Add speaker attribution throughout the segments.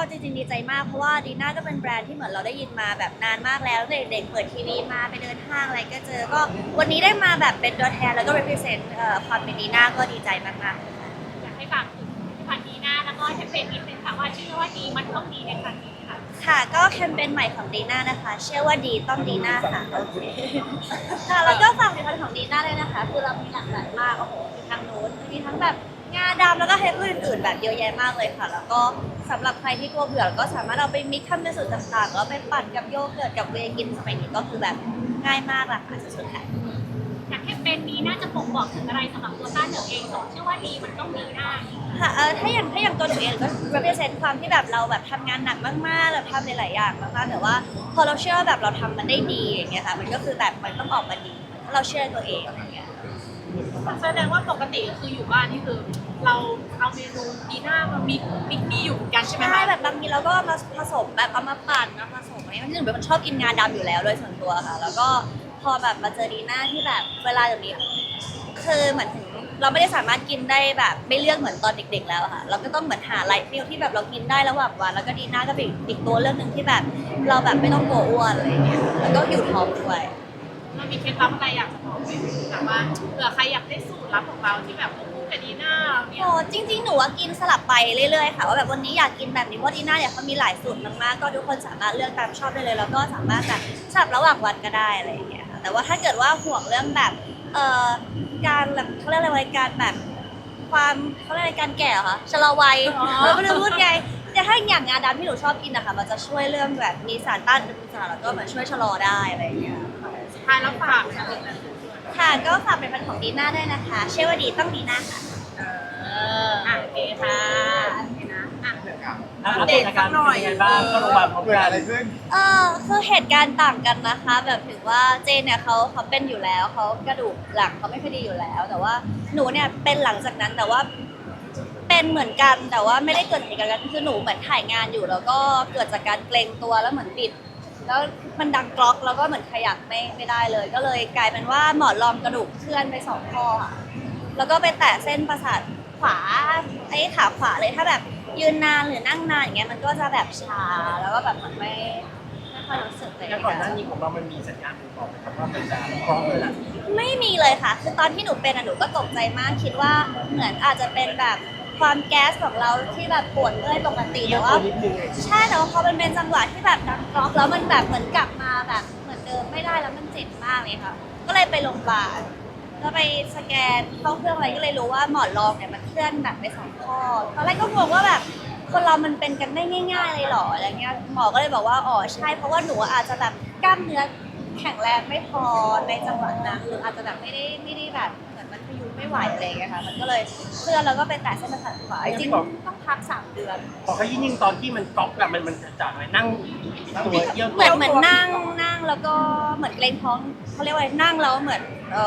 Speaker 1: จริงๆดีใจมากเพราะว่าดีน่าก็เป็นแบรนด์ที่เหมือนเราได้ยินมาแบบนานมากแล้วเด็กๆเปิดทีวีมาไปเดินห้างอะไรก็เจอก็วันนี้ได้มาแบบเป็นตัวแทนแล้วก็ represent ความเป็นดีน่าก็ดีใจมากๆ
Speaker 2: อยากให้ฝากถึงผลิตภัณฑ์ดีน่าแล้วก็แคมเปญนิดนึงค่ะว่าชื่อว่าดีมันต้องดีในครั้งนี้ค่ะ
Speaker 1: ค่ะก็แคมเปญใหม่ของดีน่านะคะเชื่อว่าดีต้องดีน่าค่ะโอเคค่ะแล้วก็ฝากผลิตภัณฑ์ของดีน่าเลยนะคะคือเรามีหลากหลายมากโอ้โหมีทั้งนู้นมีทั้งแบบงาดำแล้วก็เฮดอื่นๆแบบเยอะแยะมากเลยค่ะ แล้วก็สำหรับใครที่กลัวเบื่อก็สามารถเอาไปมิกซ์ทำเป็นสูตรต่างๆแล้วไปปั่นกับโยเกิร์ตกับเวย์กินสมัยนี้ก็คือแบบง่ายมากราคาสุดๆค่ะ
Speaker 2: อยากแคมเปญนี้น่าจะบ่งบอกถึงอะไรสำหรับตัวต้าเหนือเองเชื่อว่าดีมันต้องดีได้
Speaker 1: ค่ะถ้าอย่างตัวหนูเองก็ represent ความที่แบบเราแบบทำงานหนักมากๆเราทำหลายๆอย่างมากๆแต่ว่าพอเราเชื่อว่าแบบเราทำมันได้ดีอย่างเงี้ยค่ะมันก็คือแบบมันต้องออกมาดีถ้าเราเชื่อตัวเองอะไรเงี้ย
Speaker 2: แสดงว่าปกติคืออยู่บ้านนี่คือเราเอาเมนูดีน่ามามิกนี่อยู่กันใช่ไหม
Speaker 1: ใช่
Speaker 2: คะ
Speaker 1: แบบบางทีเราก็มาผสมแบบเอามาปั่นมาผสมอะไรที่หนูเป็นคนชอบกินงาดำอยู่แล้วโดยส่วนตัวค่ะแล้วก็พอแบบมาเจอดีน่าที่แบบเวลาแบบนี้คือเหมือนถึงเราไม่ได้สามารถกินได้แบบไม่เลือกเหมือนตอนเด็กๆแล้วอะค่ะเราก็ต้องเหมือนหาไลฟ์ฟิลที่แบบเรากินได้ระหว่างวันแล้วก็ดีน่าก็เป็นอีกตัวเรื่องหนึ่งที่แบบเราแบบไม่ต้องกลัวอ้วนอะไรอย่างเงี้ยแล้วก็อยู่ท้องด้วย
Speaker 2: เรามีเคล็ดลับอะไรอยากจะบอกไหมแบบว่าเผื่อใครอยากได้สูตรลับของเราที่แบบคู่กับดีน่าเราเนี่ย
Speaker 1: โอ้จริงๆหนูว่ากินสลับไปเรื่อยๆค่ะว่าแบบวันนี้อยากกินแบบนี้เพราะดีน่าเนี่ยเขามีหลายสูตรมากๆก็ทุกคนสามารถเลือกตามชอบได้เลยแล้วก็สามารถแบบสลับระหว่างวันก็ได้อะไรอย่างเงี้ยค่ะแต่ว่าถ้าเกิดว่าห่วงเรื่องแบบเอ่อการแบบเขาเรียกอะไรวะการแบบความเขาเรียกอะไรการแก่เหรอคะชะลอวัยเราไม่รู้พูดไงแต่ถ้าอย่างงาดำที่หนูชอบกินนะคะมันจะช่วยเรื่องแบบมีสารต้านอนุมูลอิสระแล้วก็เหมือนช่วยชะลอได้อะไรอย่างเงี้ย
Speaker 2: สุดท้ายแล้วฝากค่ะ
Speaker 1: ค่ะก็ฝากเป็นพันของดีน่าด้วยนะคะเชื่อว่าดีต้องดีน่าค่ะ
Speaker 2: โอเคค่ะนะอ่ะ
Speaker 3: อัปเดตอาการเป็นยังไงบ้างเข้าโรงพยาบาลพร้อม
Speaker 4: เกิด
Speaker 3: กั
Speaker 4: อะ
Speaker 3: น
Speaker 4: ไรขึ้น
Speaker 1: คือเหตุการณ์ต่างกันนะคะแบบถึงว่าเจนเนี่ยเขาเป็นอยู่แล้วเขากระดูกหลังเขาไม่ค่อยดีอยู่แล้ว แต่ว่าหนูเนี่ยเป็นหลังจากนั้นแต่ว่าเป็นเหมือนกันแต่ว่าไม่ได้เกิดจากเหตุการณ์นั้นคือหนูเหมือนถ่ายงานอยู่แล้วก็เกิดจากการเกรงตัวแล้วเหมือนบิดแล้วมันดังกรอกแล้วก็เหมือนขยับไม่ได้เลย ก็เลยกลายเป็นว่าหมอนรองกระดูกเคลื่อนไปสองข้อค่ะแล้วก็ไปแตะเส้นประสาทขวาไอ้ขาขวาเลยถ้าแบบยืนนานหรือนั่งนานอย่างเงี้ยมันก็จะแบบชาแล้วก็แบบเหมือนไม่ค่อยรู้สึกเลย
Speaker 3: แล้วก่อนหน้านี้ของเรามันมีสัญญาณบ่งบอกไหมครับว่ามันจะพร้อมเลยล่ะ
Speaker 1: ไม่มีเลยค่ะ คือตอนที่หนูเป็นหนูก็ตกใจมากคิดว่าเหมือนอาจจะเป็นแบบความแก๊สของเราที่แบบปวดเมื่อยปกติแต่ว่า
Speaker 3: นิดนึงเอง
Speaker 1: ใช่แต่ว่าพอมันเป็นจังหวะที่แบบดังกรอกแล้วมันแบบเหมือนกลับมาแบบเหมือนเดิมไม่ได้แล้วมันเจ็บมากเลยค่ะ ก็เลยไปโรงพยาบาลแล้วไปสแกนเข้าเครื่องอะไรก็เลยรู้ว่าหมอนรองเนี่ยมันเคลื่อนแบบไปสองข้อตอนแรกก็งงว่าแบบคนเรามันเป็นกันได้ง่ายๆเลยเหรออะไรเงี้ยหมอก็เลยบอกว่าอ๋อใช่เพราะว่าหนูอาจจะแบบกล้ามเนื้อแข็งแรงไม่พอในจังหวะนั้นหรืออาจจะแบบไม่ได้แบบเหมือนมันพยุงไม่ไหวอะไรเงี้ยค่ะมันก็เลยเคลื่อนแล้วก็ไปแตะเส้นประสาทขวาจริงๆต้องพัก3 เดือน
Speaker 3: พอเขายิ่งตอนที่มันก๊อกอะมันจะจากอะไรนั่งตัวเยี่ยว
Speaker 1: เหมือนนั่งแล้วก็เหมือนเกรงท้องเขาเรียกว่าอะไรนั่งแล้วเหมือน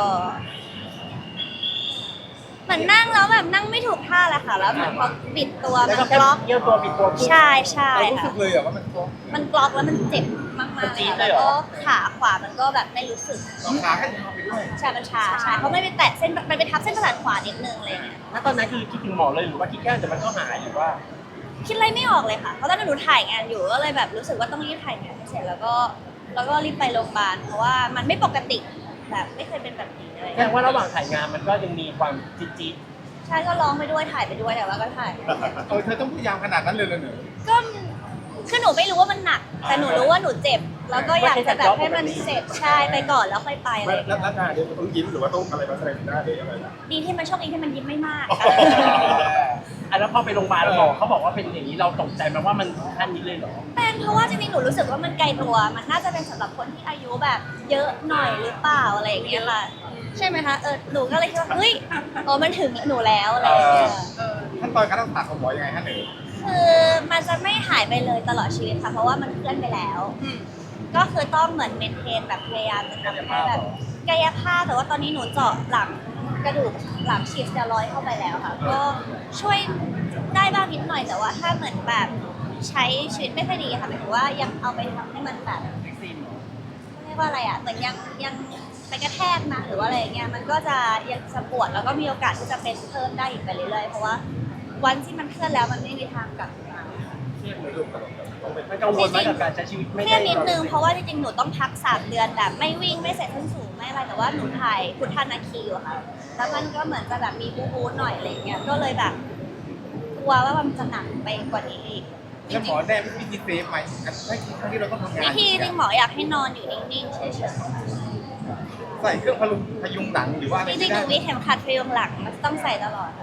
Speaker 1: เหมือนนั่งแล้วแบบนั่งไม่ถูกท่าแหละค่ะแล้วเหมือนพอบิดตัว
Speaker 3: แล้ว
Speaker 1: มั
Speaker 3: ก็
Speaker 1: น
Speaker 3: แค่
Speaker 1: กล็อก
Speaker 3: เยี่ยวตัวปิดตัว
Speaker 1: ใช่
Speaker 4: เรารู้สึ
Speaker 1: ค่ะ
Speaker 4: กเลยเหรอว่ามันท้อง
Speaker 1: มันกล็อกแล้วมันเจ็บมากๆ
Speaker 3: มันจี๊
Speaker 1: เลย
Speaker 3: ด
Speaker 1: ค่ะ
Speaker 3: เลยเหร
Speaker 1: แล้ว
Speaker 3: อ
Speaker 1: ก็ขาขวามันก็แบบไม่รู้สึก
Speaker 4: ต้องขาให้ทำไปด้วย
Speaker 1: ใช่มันชาใช่เพราะไม่ไปแตะเส้นมันไปทับเส้นประสาทขวานิดนึงอะไรอย่างเงี้ย
Speaker 3: แล้วตอนนั้นคือคิดถึงหมอเลยหรือว่าคิดแค่แต่มันก็หายหรือว่า
Speaker 1: คิดอะไรไม่ออกเลยค่ะเพราะตอนนั้นหนูถ่ายงานอยู่ก็เลยแบบรู้สึกว่าต้องรีบถ่ายงานให้เสร็จแล้วก็รีบไปโรงพยาบาลเพราะว่ามันไม่ปกติแบบไม่เคยเป็นแบบนี้เลย
Speaker 3: แสดงว่าระหว่างถ่ายงานมันก็ยังมีความจี๊ด
Speaker 1: ใช่ก็ร้องไปด้วยถ่ายไปด้วยแต่ว่าก็ถ่าย
Speaker 4: เธอต้องพยายามขนาดนั้นเลยเหรอเนี่ย
Speaker 1: ก็คือหนูไม่รู้ว่ามันหนัก แต่หนูรู้ว่าหนูเจ็บ แล้วก็อยากจะแบบให้มันเสร็จใช่ไปก่อนแล้วค่อยไปอะไรอย่าง
Speaker 4: แล้ว
Speaker 1: เงี้ย
Speaker 4: หน้าเดี๋ยวต้องยิ้มหรือว่าต้องอะไรมาแสดงหน้าหรืออะไรนะ
Speaker 1: ดีที่มันโชคดีที่มันยิ้มไม่มาก
Speaker 3: อันแล้วพอไปโรงพยาบาลหมอเขาบอกว่าเป็นอย่างนี้เราตกใจไหมว่ามันถึงขั้นนี้เลยเหรอ
Speaker 1: เป็นเพราะว่าจริงๆหนูรู้สึกว่ามันไกลตัว มันน่าจะเป็นสำหรับคนที่อายุแบบเยอะหน่อยหรือเปล่าอะไรอย่างเงี้ยค่ะใช่ไหมคะหนูก็เลยคิดว่าเฮ้ยอ๋อมันถึงหนูแล้วอะไรอย่างเงี้ย
Speaker 4: ขั้นตอนการรักษาของหมอยังไงฮะหนู
Speaker 1: คือมันจะไม่หายไปเลยตลอดชีวิตค่ะเพราะว่ามันเคลื่อนไปแล้ว ก็คือต้องเหมือนเมนเทนแบบพยายามจะทำให้แบบกายภาพแต่ว่าตอนนี้หนูเจาะหลังกระดูกหลังฉีดสเตียรอยด์เข้าไปแล้วค่ะก็ช่วยได้บ้างนิดหน่อยแต่ว่าถ้าเหมือนแบบใช้ชีวิตไม่ค่อยดีค่ะหมายถึงว่ายังเอาไปทำให้มันแบบเรียกว่าอะไรอ่ะเหมือนยังไปกระแทกนะหรือว่าอะไรอย่างเงี้ยมันก็จะยังจะปวดแล้วก็มีโอกาสที่จะเป็นเพิ่มได้อีกไปเรื่อยๆเพราะว่าวันที่มันเคลื่อนแล้วมันไม่มีทางกลับมา
Speaker 4: เครียดไหมลูกต้องเป็น
Speaker 3: ไม่กังวลไหมกับการใช้ชีวิตไม่
Speaker 1: เครี
Speaker 3: ได้
Speaker 1: ยดนิดนึงเพราะว่าจริงๆหนูต้องพัก3 เดือนแบบไม่วิ่งไม่ใส่ส้นสูงไม่อะไรแต่ว่าหนูถ่ายพุทธานาคีอยู่ค่ะแล้วมันก็เหมือนจะแบบมีบู๊หน่อยอะไรเงี้ยก็เลยแบบกลัวว่ามันจะหนักไปกว่านี้อีก
Speaker 4: แล้วหมอแน่วิธีเซฟไหมไม่ครั้งที่เราต้องทำงาน
Speaker 1: วิธีจริงหมออยากให้นอนอยู่นิ่งๆเฉย
Speaker 4: ใส่เครื่องพยุงหลังหรือว่า
Speaker 1: ๆ
Speaker 4: อะไร
Speaker 1: จริงๆหนูมีเข็มขัดพยุงหลังมันต้องใส่ตลอด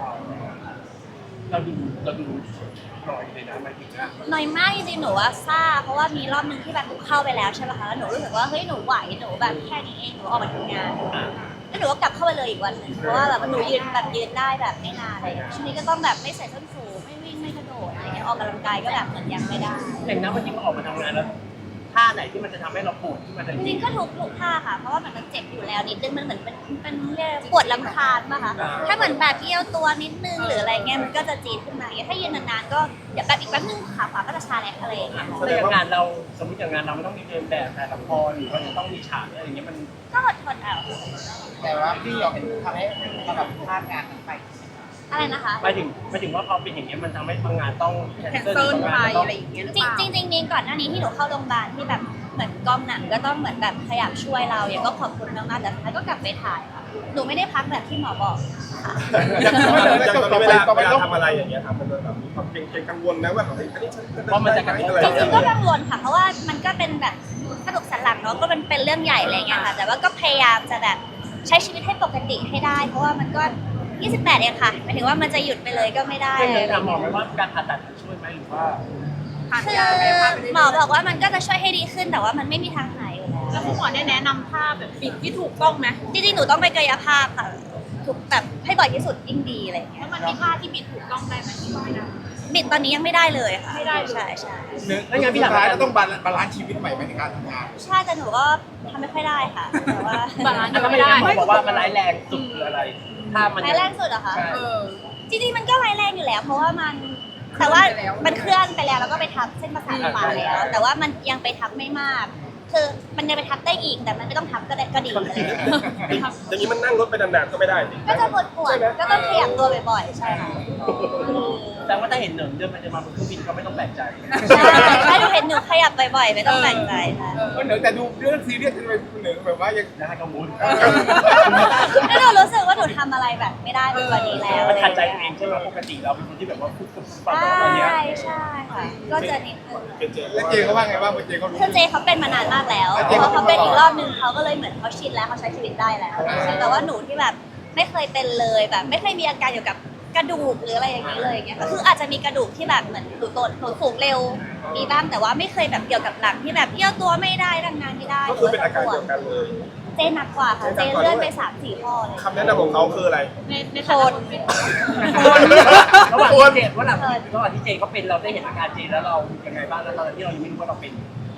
Speaker 3: เราดูหน่อยเลยนะหมายถึงว่า
Speaker 1: น้อยมากจริงๆหนูว่าซ่าเพราะว่ามีรอบนึงที่แบบหนูเข้าไปแล้วใช่ไหมคะแล้วหนูรู้สึกว่าเฮ้ยหนูไหวหนูแบบแค่นี้เองหนูออกมาทำงานแล้วหนูก็กลับเข้าไปเลยอีกวันหนึ่งเพราะว่าแบบหนูยืนได้แบบไม่นานอะไรอย่างเลยช่วงนี้ก็ต้องแบบไม่ใส่ส้นสูงไม่วิ่งไม่กระโดดอะไรเงี้ยออกกำลังกายก็แบบเหมือนยังไม่ได้
Speaker 3: อย่างนั้นวันนี้มาออกมาทำงานแล้วท่าไหนที่มันจะทำให้เราปวดที่มันจะ
Speaker 1: จริงๆก็ทุกท่าค่ะเพราะว่ามันเจ็บอยู่แล้วนิดนึงมันเหมือนเป็นเรียกปวดลำคาญป่ะคะถ้าเหมือนแบบเอี้ยวตัวนิดนึงหรืออะไรเงี้ยมันก็จะจี๊ดขึ้นมาอย่างเงี้ยถ้ายืนนานๆก็เดี๋ยวแบบอีกแป๊บนึงขาขวาก็จะชาแหลกอะไรอย่างเงี้ย
Speaker 3: ถ้าอย่างงานเราสมมติอย่างงานเราไม่ต้องมีเดินแบบถ่ายละครหรือว่าจะต้องมีฉากอะไรอย่างเงี้ยมัน
Speaker 1: ก็อดทนเอา
Speaker 5: แต่ว่าพี่ยอมเห็นทำให้เราแบบพลาดงานนั้นไป
Speaker 1: อะไรนะคะ
Speaker 3: หมายถึงว่าพอเป็นอย่างเงี้ยมันทำให้บางงานต้องแคน
Speaker 2: แคน
Speaker 3: เซิ
Speaker 2: เซิ
Speaker 3: ล
Speaker 2: ล
Speaker 3: บาง
Speaker 2: ไป
Speaker 3: งานต้อ
Speaker 2: อะ
Speaker 3: ง
Speaker 2: ไรอย่างเงี้ยหรือ
Speaker 1: จ
Speaker 2: เปล่า
Speaker 1: ริงๆมีก่อนหน้านี้ที่หนูเข้าโรงพยาบาลที่แบบเหมือนกองหนังก็ต้องเหมือนแบบพยายามช่วยเราอย่างก็ขอบคุณมากๆแต่สุดท้ายก็กลับไปถ่ายค่ะหนูไม่ได้พักแบบที่หมอบอกค่ะ
Speaker 4: อย่างตอนนี้เวลาต้อง
Speaker 6: ทำอะไรอย่างเงี้ยครับมันแบบมีความเกรงกังวลนะว่าเฮ้ยอันนี้ฉัน
Speaker 3: เพราะมันจะกระทบ
Speaker 6: อะไร
Speaker 1: จ
Speaker 6: อย่าง
Speaker 1: ริ
Speaker 6: เงี้
Speaker 1: ง
Speaker 6: ย
Speaker 1: ๆก็กังวลค่ะเพราะว่ามันก็เป็นแบบกระดูกสันหลังเนาะก็เป็นเรื่องใหญ่อะไรเงี้ยค่ะแต่ว่าก็พยายามจะแบบใช้ชีวิตให้ปกติให้ได้ เพราะว่ามันก็ 28 เองค่ะหมายถึงว่ามันจะหยุดไปเลยก็ไม่ได้
Speaker 3: ไม่เลยถามหมอไหมว่าการผ่าตัดช่วยไหมหรือว่า
Speaker 2: ผ่าน
Speaker 1: คื
Speaker 2: ยา
Speaker 1: อ
Speaker 2: ไปผ่านไปเรื่อยๆ
Speaker 1: หมอบอกว่ามันก็จะช่วยให้ดีขึ้นแต่ว่ามันไม่มีทางหายอยู่แล้ว
Speaker 2: แล้วคุณหมอได้แนะนำท่าแบบปิดที่ถูกต้องไหม
Speaker 1: จริงๆหนูต้องไปกายภาพค่ะถูกแบบให้บ่อยที่สุดยิ่งดีอะไรอย่างเงี้
Speaker 2: แล้
Speaker 1: ยว
Speaker 2: มันมีท่าที่บิดถูกต้องได้ไหมที่ไม่ได้
Speaker 1: บิดตอนนี้ยังไม่ได้เลยค่ะ
Speaker 2: ไม่ได้เลย
Speaker 1: ใช่ใช่
Speaker 4: แล้วงานพี่สุดท้ายเราต้องบาลานซ์ชีวิตใหม่ไหมในการทำงาน
Speaker 1: ใช่แต่หนูก็ทำไม่ค่อยได้ค่ะแต่ว่า
Speaker 2: บาลานซ์
Speaker 3: แล้วก็ไม่ได้หมอบอกว่ามันร้ายแรงสุดหรืออะไรถ้ามัน
Speaker 1: ร้ายแรงสุดเหรอคะ
Speaker 3: ใช่
Speaker 2: เออ
Speaker 1: จริงๆมันก็ร้ายแรงอยู่แล้ว เพราะว่ามันแต่ว่ามันเคลื่อนไปแล้วแล้วก็ไปทับเส้นประสาทขวาแล้ว แต่ว่ามันยังไปทับไม่มาก คือมันยังไปทับได้อีกแต่มันไม่ต้องทับก็ได้ก็ดีอะไรอย่างเงี้ย
Speaker 6: อย่างนี้มันนั่งรถไปนานๆก็ไม่ได้สิ
Speaker 1: ก็จะปวดๆก็ต้องขยับตัวบ่อยๆใช่ค่ะ
Speaker 3: แต่ว่าถ้าเห็นเหนิงเดินไปเดินมาบนเครื่องบินก็ไม่ต้องแปลกใจ
Speaker 1: ใช่ถ้าหนูเห็นหนูขยับบ่อยๆไม่ต้องแปลกใจค่ะ
Speaker 4: เหนือแต่ดูเรื่องซีเรียสทำไมเหนือแบบว่ายัง
Speaker 3: น่ากังวล
Speaker 1: แล้วหนูรู้สึกว่าหนูทำอะไรแบบไม่ได้ไปกว่านี้แล้ว
Speaker 3: มันขัดใจตัวเองใช่ไหมปกติเราเป็นคนที่แบบว่าพูดกับปาก
Speaker 1: ใช่
Speaker 3: อะไรเงี้ย
Speaker 1: ใช่ค่ะ ก็จะนิดนึง
Speaker 6: เป็นเจ
Speaker 4: แล้วเจเขาว่าไงบ้างเจเขารู้
Speaker 1: คือเจเขาเป็นมานานมากแล้ว
Speaker 4: แล้ว
Speaker 1: พ
Speaker 4: เจ
Speaker 1: อ
Speaker 4: เขา
Speaker 1: เขาเป็น
Speaker 4: เป็น
Speaker 1: อี
Speaker 4: มาก ก่อน
Speaker 1: รอบนึงเขาก็เลยเหมือนเขาชินแล้วเขาใช้ชีวิตได้แล้ว แต่ว่าหนูที่แบบไม่เคยเป็นเลยแบบ ไม่เคยมีอาการเกี่ยวกับกระดูกหรืออะไรอย่างนี้เลยอย่างเงี้ยค่ะคืออาจจะมีกระดูกที่แบบเหมือนหนูโตหนูสูงเร็วมีบ้างแต่ว่าไม่เคยแบบเกี่ยวกับหลังที่แบบเอี้ยวตัวไม่ได้ดังงานไม่ได้
Speaker 6: ก็คือเป็นอาการเดียวกันเลย
Speaker 1: เจหนักกว่าค่ะเจเลื่อนไป3-4ข้อเลย
Speaker 6: คำแนะนำของเขาคืออะไร
Speaker 2: ในฐานะคนเป็น
Speaker 3: ระหว่างที่เจนระหว่างที่เจนเขาเป็นเราได้เห็นอาการเจนแล้วเรายังไงบ้างแล้วตอนที่เรายังไม่รู้ว่าเราเป็น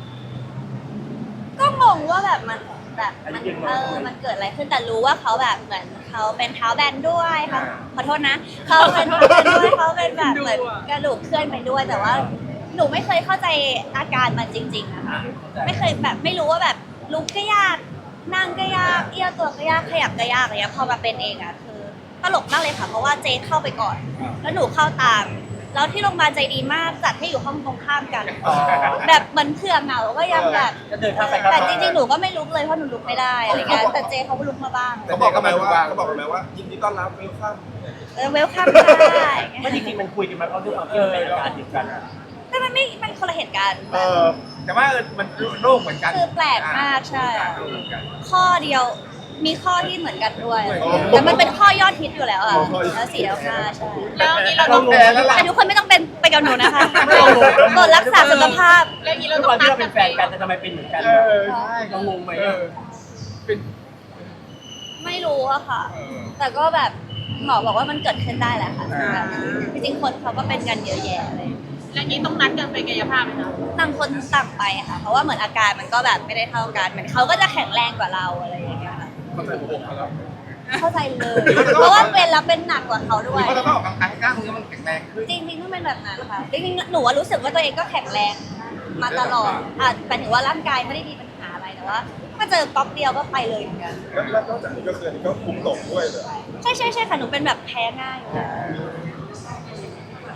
Speaker 1: ก็งงว่าแบบมันแบบมันเกิดอะไรขึ้นแต่รู้ว่าเขาแบบเหมือนเขาเป็นเท้าแบนด้วยค่ะขอโทษนะเขาเป็นเท้าแบนด้วยเขาเป็นแบบเหมือนกระดูกเคลื่อนไปด้วยแต่ว่าหนูไม่เคยเข้าใจอาการมันจริงๆนะคะไม่เคยแบบไม่รู้ว่าแบบลุกก็ยากนั่งก็ยากเอี้ยวตัวก็ยากขยับก็ยากอะไรเงี้ยพอมาเป็นเองอ่ะคือตลกมากเลยค่ะเพราะว่าเจเข้าไปก่อน แล้วหนูเข้าตามแล้วที่โรงพยาบาลใจดีมากจัดให้อยู่ห้องตรงข้ามกัน แบบเหมือนเผื่อเหงาก็ยังแบบ
Speaker 3: ก็เดินข้ามไป
Speaker 1: แต่จริงๆ หนูก็ไม่ลุกเลยเพราะหนูลุกไม่ได้อะไรเงี้ย แต่เจเขาก็ลุกมาบ้าง
Speaker 6: เขาบอกกันไหมว่าเขาบอกกันไหมว่ายินดีต้อนรับเวลคัม
Speaker 1: เวลคัมได้
Speaker 3: ไม่จริงๆมันคุยกันมาเพราะด้วยความที่มันเป็นอาการเดียวกัน
Speaker 1: แต่มันคนละเหตุการณ์
Speaker 4: แต่ว่ามันโรคเหมือนกัน
Speaker 1: คือแปลกมากใช่
Speaker 4: โรคเหมือนกัน
Speaker 1: ข้อเดียวมีข้อที่เหมือนกันด้วยแต่มันเป็นข้อยอดฮิตอยู่แล้วอ่ะแล้ว4แล้ว5ใช่
Speaker 2: แล้วนี้เราต้อง
Speaker 1: แต่ทุกคนไม่ต้องเป็นไปกับหนูนะคะกดรักษาสุขภาพ
Speaker 2: แล้วนี้
Speaker 3: ด้
Speaker 2: เรา
Speaker 3: วยค
Speaker 2: ต้อ
Speaker 3: วาง มที่เรา
Speaker 2: นัดกั
Speaker 3: เป็น นแฟนกันแต่ทำไมเป็นเหมือนกัน
Speaker 4: ใช่
Speaker 3: เรางงไหม
Speaker 4: เป็น
Speaker 1: ไม่รู้อะค่ะ แต่ก็แบบหมอบอกว่ามันเกิดขึ้นได้แหละค่ะแบบจริงๆคนเขาก็เป็นกันเยอะแยะเลย
Speaker 2: แล้วนี้ต้องนัดกันไปกายภาพไหมคะ
Speaker 1: ต่างคนต่างไปค่ะ เพราะว่าเหมือนอาการมันก็แบบไม่ได้เท่ากันเหมือนเขาก็จะแข็งแรงกว่าเราอะไรอย่างเงี้ยค่ะ
Speaker 4: เข้าใจหัวอกเขาแล้ว
Speaker 1: เข้าใจเลย เพราะว่าเป็นแล้วเป็นหนักกว่าเขาด้วย
Speaker 4: เพราะเราต้องออกกำลังกายให้กล้ามเนื้อมันแข็งแรงขึ้น
Speaker 1: จริงๆต้องเป็นแบบนั้นค่ะ จริงๆหนูว่ารู้สึกว่าตัวเองก็แข็งแรงมาตลอดหมายถึงว่าร่างกายไม่ได้มีปัญหาอะไรแต่ว่ามาเจอก๊อกเดียวก็ไปเลยเหมือนกัน
Speaker 6: แล้วนอกจากนี้ก็คืออันนี้ก็คุมตกด้วยเลย
Speaker 1: ใช่ค่ะหนูเป็นแบบแพ้ง่ายอยู่แล้ว
Speaker 6: แ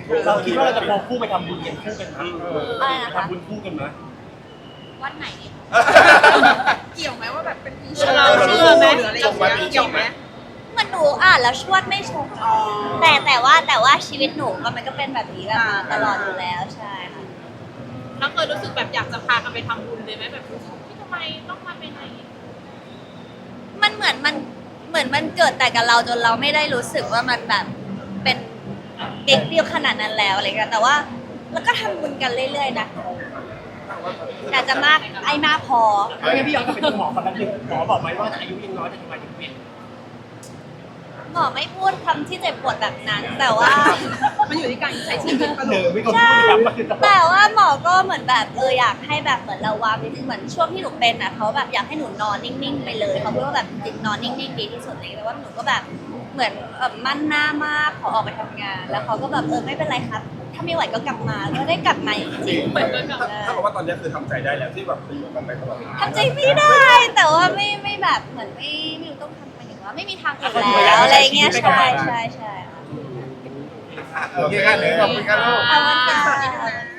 Speaker 3: เราคิดว่าเราจะควงคู่ไปทำบุญกันคู่กันไหม
Speaker 1: อะไรนะคะ
Speaker 3: ทำบุญคู่กันไหม
Speaker 1: วันไหนดี
Speaker 2: เกี่ยวไหมว่าแบบเป็นปีเราเชื่อไหมหรืออะไรอย่างเงี้ยเกี่ยวไหม
Speaker 1: มันหนูอ่านแล้วชวดไม่ชงแต่ว่าชีวิตหนูมันก็เป็นแบบนี้แบบมาตลอดอยู่แล้วใช่ค่ะ
Speaker 2: แล้วเคยรู้สึกแบบอยากจะพากันไปทำบุญเลยไหมแบบที่ทำไมต้องมาเป็นอะไร
Speaker 1: มันเหมือนมันเกิดแต่กับเราจนเราไม่ได้รู้สึกว่ามันแบบเป็นบิ๊กดีลขนาดนั้นแล้วอะไรเงี้ยแต่ว่าแล้วก็ทำบุญกันเรื่อยๆนะแต่จะมากไอ้มากพอ
Speaker 3: ไม่งั้นพี่ย้อนกลับไปดูหมอคนนั้นหนึ่งหมอบอกไหมว่าอายุยังน้อยแต่ทำไมถึงเป็น
Speaker 1: หมอไม่พูดคำที่เจ็บปวดแบบนั้น แต่ว่า
Speaker 2: มันอยู่ที่การใช้ชีวิตปะ
Speaker 3: เอ
Speaker 2: ลู
Speaker 3: อก ไม่คนพูดย้ำว่าคือจะ
Speaker 1: แต่ว่าหมอก็เหมือนแบบอยากให้แบบเหมือนเราวางนิดนึงเหมือนช่วงที่หนูเป็นอ่ะเขาแบบอยากให้หนูนอนนิ่งๆไปเลยเขาพูดว่าแบบจริงๆนอนนิ่งๆดีที่สุดเลยแต่ว่าหนูก็แบบเหมือนมั่นหน้ามากขอออกไปทำงาน แล้วเขาก็แบบไม่เป็นไรครับ ถ้าไม่ไหวก็กลับมาก็ได้กลับมาจริง
Speaker 2: เหมือนกันแบบ
Speaker 6: ถ้าบอกว่าตอนนี้คือทำใจได้แล้วที่แบบไปอยู่กันไปตลอด
Speaker 1: ๆทำใจไม่ได้ แต่ว่าไม่แบบเหมือนไม่รู้ต้องทำไปถึงว่าไม่มีทางอื่นแล้วอะไรเงี้ยใช่ค่ะ
Speaker 4: โอเคกันเลยขอบคุณครับลูก
Speaker 1: เอาวันค่ะ